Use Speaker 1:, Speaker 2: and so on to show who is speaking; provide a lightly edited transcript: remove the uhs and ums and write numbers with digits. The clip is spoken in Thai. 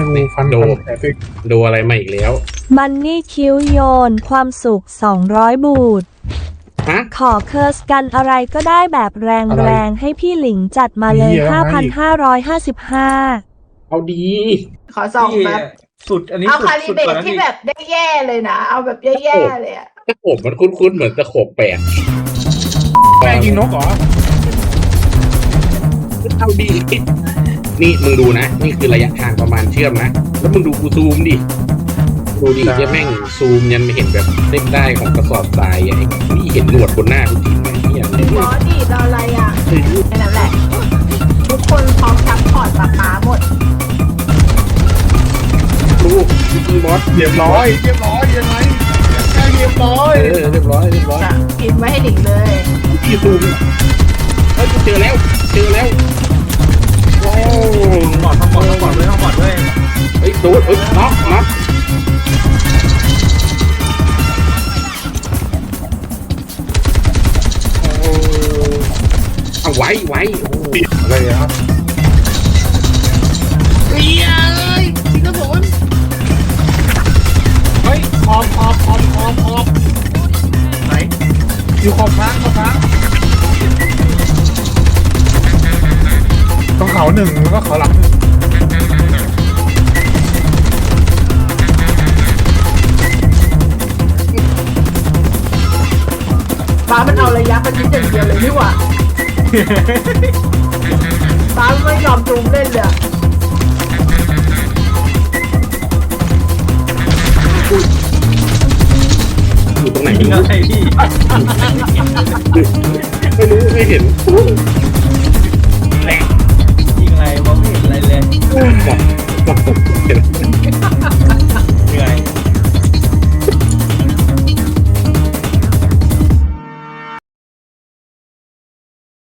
Speaker 1: ฟัน
Speaker 2: ดูอะไรมาอีกแล้ว
Speaker 3: มันนี่คิ้วโยนความสุข200บูทขอเคิร์สกันอะไรก็ได้แบบแรงๆให้พี่หลิงจัดมาเลย 5,555
Speaker 2: เอาดี
Speaker 4: ขอส่องแบบ
Speaker 5: สุดอันนี้
Speaker 4: เอาคาลิ
Speaker 5: สุด
Speaker 4: เบ
Speaker 5: ก
Speaker 4: ต
Speaker 5: ว่านั้น
Speaker 4: ที่
Speaker 5: อีก
Speaker 4: แบบได้แย่เลยนะเอาแบบแย่ๆเลยอะ
Speaker 2: ตะขบมันคุ้นๆเหมือนตะขบแปด
Speaker 1: แม่ยิงนกเหรอ
Speaker 2: เอาดีนี่มึงดูนะนี่คือระยะทางประมาณเชื่อมนะแล้วมึงดูกูซูมดิดูดิแม่งซูมยันไม่เห็นแบบเส้นได้ของกระสอบทรายไอ้นี่เห็นหนวดบนหน้ากูจริงไหมเนี่ย
Speaker 4: บอสดีเราอะไรอ่ะนั่นแหละทุกคนพร้อมซัพพอร์ตป๊าหมด
Speaker 2: ดูจริงบอส
Speaker 1: เรียบร้อยยังไงเรียบร้อย
Speaker 2: เรียบร้อย
Speaker 4: จะกินไว้ให้หลิงเลย
Speaker 2: พี่ซูมเฮ้ยเจอแล้วว้าว
Speaker 5: ทั้งหมดด้วย
Speaker 2: เฮ้ยโดดเฮ้ยน็อกเอาไว้
Speaker 1: อะไรครับเฮ้ยออมไหนอยู่ขอบฟ้าต้องเขาหนึ่งแล้วก็เขาหลังหนึ่ง
Speaker 4: ฟ้ามันเอาระยะประชิดอย่างเดียวเลยนี่หว่าฟ้าไม่ยอมจูมเล่นเลย
Speaker 2: อยู่ตรงไหน
Speaker 5: ยิงอะไรพี่
Speaker 2: ไม่เห็น
Speaker 5: ยิงอะไรมองไม่เห็นอะไรเลย
Speaker 2: หมด